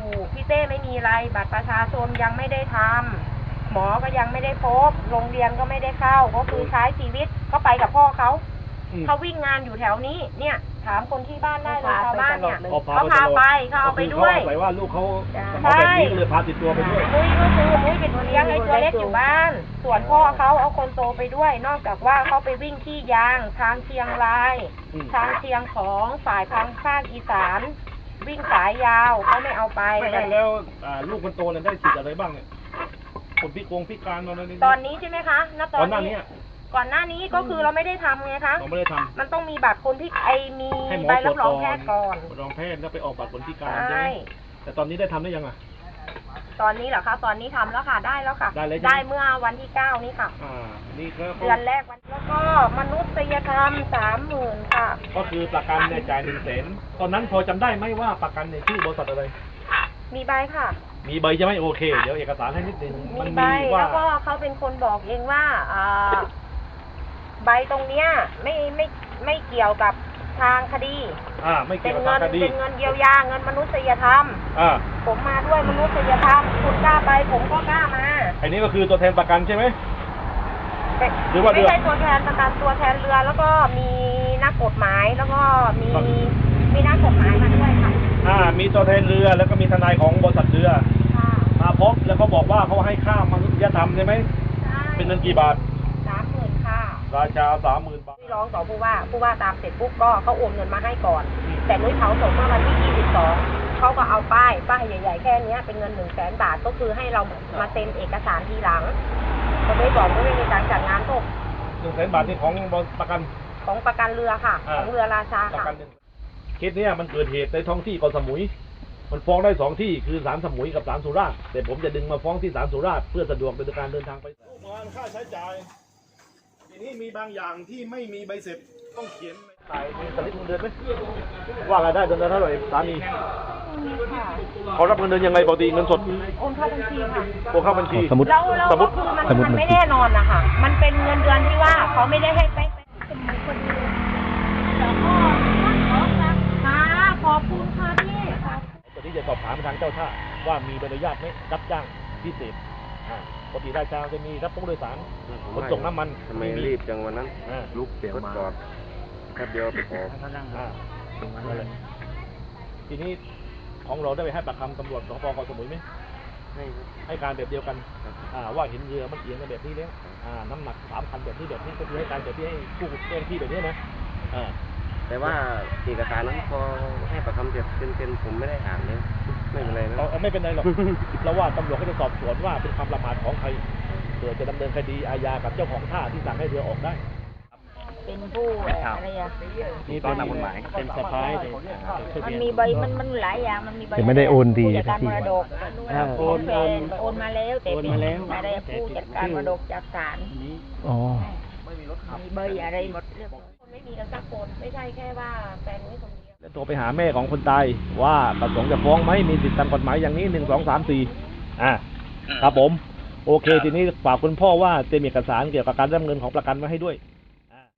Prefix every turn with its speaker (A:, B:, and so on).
A: พี่เต้ไม่มีอะไรบัตรประชาชนยังไม่ได้ทำหมอก็ยังไม่ได้พบโรงเรียนก็ไม่ได้เข้าก็คือใช้ชีวิตก็ไปกับพ่อเขาวิ่งงานอยู่แถวนี้เนี่ยถามคนที่บ้านได้เลยชาวบ้านเนี่ยเขาพาไปเขาเอาไปด้วย
B: เขาใส่ว่าลูกเขาแบบนี้เลยพาติดตัวไปด้วย
A: นุ้ยก็คือนุ้ยเป็นเลี้ยงให้ตัวเล็กอยู่บ้านส่วนพ่อเขาเอาคนโตไปด้วยนอกจากว่าเขาไปวิ่งที่ยางทางเชียงรายทางเชียงของฝ่ายทางภาคอีสานวิ่งสายยาวเขาไม่เอาไป
B: แล้วลูกคนโตเนี่ยได้สิทธิ์อะไรบ้างเนี่ยคนพิการต
A: อนนี้ใช่ไหมคะณตอนนี้ก่อนหน้านี้ก็คือเราไม่ได้ทำไงคะ
B: เราไม่ได้ทำ
A: มันต้องมีบัตรคนที่มีใบรับรองแพทย์ก่อน
B: รองแพทย์แล้วไปออกบัตรคนพิการใช่แต่ตอนนี้ได้ทำได้ยังอ่ะ
A: ตอนนี้เหรอคะตอนนี้ทำแล้วค่ะได้แล้วค่ะได้เมื่อวันที่9นี้ค่ะ
B: นี่ครับ
A: เดือนแรกวันแล้วก็มนุษยธรรม30,000ค่ะ
B: ก็คือประกันในจ่าย100,000ตอนนั้นพอจำได้ไหมว่าประกันในชื่อบริษัทอะไร
A: มีใบค่ะ
B: มีใบใช่ไหมโอเคเดี๋ยวเอกสารให้นิดนึง
A: มีใบแล้วก็เขาเป็นคนบอกเองว่าใบตรงเนี้ยไม่เกี่ยวกับทางคดี
B: ไม่เกี่ยวกับทางคดี
A: เป็นเงินเยียวยาเงินมนุษยธรรมผมมาด้วยมนุษยธรรมคุณกล้าไปผมก็กล้ามา
B: อันนี้ก็คือตัวแทนประกันใช่ไหม
A: หรือว่าไม่ใช่ตัวแทนประกันตัวแทนเรือแล้วก็มีนักกฎหมายแล้วก็มีนักกฎหมายมาด้วยค่ะ
B: มีตัวแทนเรือแล้วก็มีทนายของบริษัทเรือมาพบแล้วก็บอกว่าเขาให้ค่ามนุษยธรรมใช่ไหมเป็นเงินกี่บาท
A: 30,000ค่ะ
B: ราชา30,000 บาท
A: ที่ร้องต่อผู้ว่าตามเสร็จปุ๊บก็เขาโอนเงินมาให้ก่อนแต่นุ้ยเผาศพเมื่อวันที่22เขาก็เอาป้ายใหญ่ๆแค่นี้เป็นเงิน100,000 บาทก็คือให้เรามาเซ็นเอกสารทีหลังเขาไม่บอกว่าไม่มีการจัดงานศพ
B: 100,000 บาทนี่ของประกัน
A: เรือค่ะของเรือราชาค่ะ
B: เคสนี้มันเกิดเหตุในท้องที่เกาะสมุยมันฟ้องได้2ที่คือศาลสมุยกับศาลสุราษฎร์แต่ผมจะดึงมาฟ้องที่ศาลสุราษฎร์เพื่อสะดวกในการเดินทางไปลูกงานค่าใช้จ่ายทีนี้มีบางอย่างที่ไม่มีใบเสร็จต้องเขียนถ่ายมีสลิปเงินเดือนไหมว่ากันได้เดือนละเท่าไหร่สามีเขารับเงินเดือนยังไงปกติเงินสด
A: โอนเข้าบัญชีค่ะ
B: โอนเข้าบัญชี
A: สมมติมันไม่แน่นอนนะคะมันเป็นเงินเดือนที่ว่าเขาไม่ได้ให้ไปเป็นคนเดียวแล้วก็ขอบคุณค่ะพี่
B: ตอนนี้จะสอบถามทางเจ้าท่าว่ามีใบอนุญาตไหมรับจ้างพิเศษปกติราชาจะมีรับผู้โดยสารขนส่งน้ำมัน
C: ทำไมรีบจังวันนั้นลุกเสียงมาแค่เดียวไปขอ
B: ทีนี้ของเราได้ไปให้ปากคำตำรวจสพเกาะสมุยไหมให้การแบบเดียวกันว่าเห็นเรือมันเอียงแบบนี้แล้วน้ำหนัก3 คันแบบนี้ก็คือให้การแบบที่ให้ผู้เจ้าที่แบบนี้นะ
C: แต่ว่าเอกสารนั้นพอให้ปากคำเสร็จเป็นผมไม่ได้อ่านเลยไม่เป็นไรนะ
B: ไม่เป็นไรหรอกเราว่าตำรวจก็จะสอบสวนว่าเป็นความละหมาดของใครเผื่อจะดำเนินคดีอาญากับเจ้าของท่าที่สั่งให้เรือออกได้
A: เป็นผู้อะไร
B: นี่เป็นกฎหมายเป็นสะพาย
A: มันมีใบมันหลายอย่างมันมีใบ
D: ไม่ได้โอนดี
A: จัดการมรดกโอนมาแล้วแต่ไม่ได้ผู้จัดการมรดกจากศาลมีใบอะไรหมดเรื่องไม่มีกันสักคนไม่ใช่แค่ว่าแฟนนุ้ยคนเดียว
B: แล้วโทรไปหาแม่ของคนตายว่าประสงค์จะฟ้องไหมมีสิทธิตามกฎหมายอย่างนี้1 2 3 4ครับผมโอเคทีนี้ฝากคุณพ่อว่าเตรียมเอกสารเกี่ยวกับการรับเงินของประกันมาให้ด้วย